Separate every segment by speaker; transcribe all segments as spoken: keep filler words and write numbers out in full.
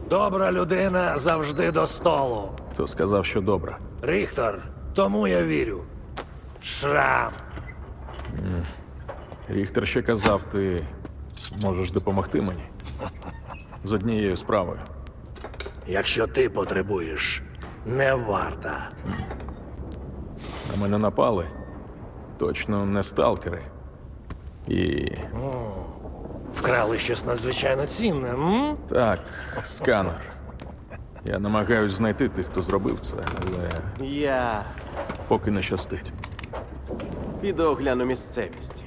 Speaker 1: Добра людина завжди до столу.
Speaker 2: Хто сказав, що добре?
Speaker 1: Ріхтер, тому я вірю. Шрам.
Speaker 2: Ріхтер ще казав, ти можеш допомогти мені з однією справою.
Speaker 1: Якщо ти потребуєш, не варта.
Speaker 2: На мене напали. Точно не сталкери. І
Speaker 1: Вкрали щось надзвичайно цінне, м?
Speaker 2: так, сканер. Я намагаюсь знайти тих, хто зробив це, але
Speaker 3: Я
Speaker 2: поки не щастить.
Speaker 3: піду огляну місцевість.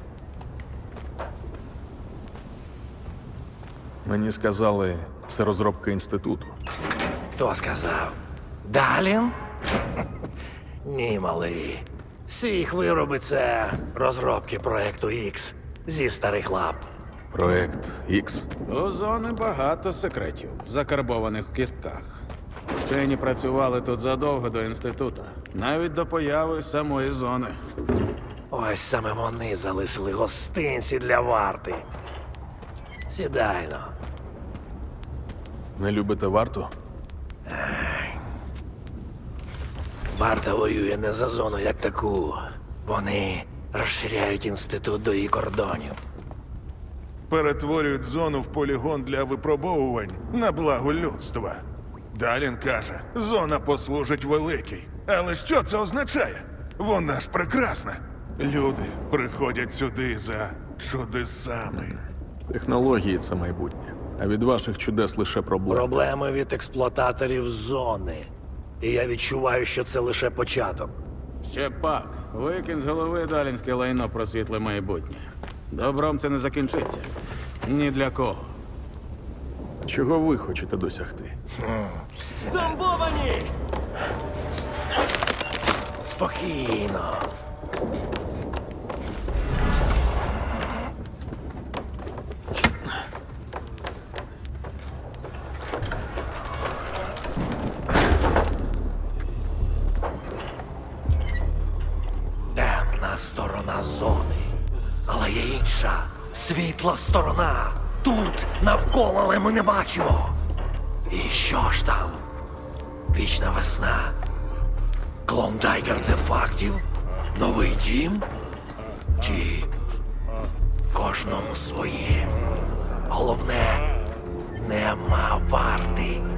Speaker 2: Мені сказали, це розробка інституту.
Speaker 1: Хто сказав? Далін? Ні, малий. Всі їх вироби — це розробки проекту Ікс зі старих лап.
Speaker 2: Проект Ікс.
Speaker 4: У зони багато секретів, закарбованих в кістках. Вчені працювали тут задовго до інституту, навіть до появи самої зони.
Speaker 1: Ось саме вони залишили гостинці для варти. Сідайно.
Speaker 2: Не любите варту?
Speaker 1: Варта воює не за зону як таку. Вони розширяють інститут до її кордонів.
Speaker 5: Перетворюють зону в полігон для випробовувань на благо людства. Далін каже, зона послужить великій. Але що це означає? Вона ж прекрасна. Люди приходять сюди за чудесами.
Speaker 2: Технології — це майбутнє. А від ваших чудес лише проблеми.
Speaker 1: Проблеми від експлуататорів зони. І я відчуваю, що це лише початок.
Speaker 4: Ще пак, викинь з голови далінське лайно про світле майбутнє. Добром це не закінчиться. Ні для кого.
Speaker 2: Чого ви хочете досягти?
Speaker 3: Зомбовані!
Speaker 1: Спокійно. Темна сторона зони. Але є інша, світла сторона. Тут, навколо, але ми не бачимо. І що ж там? Вічна весна. Клондайк артефактів? Новий дім? Чи кожному своє? Головне, нема варти.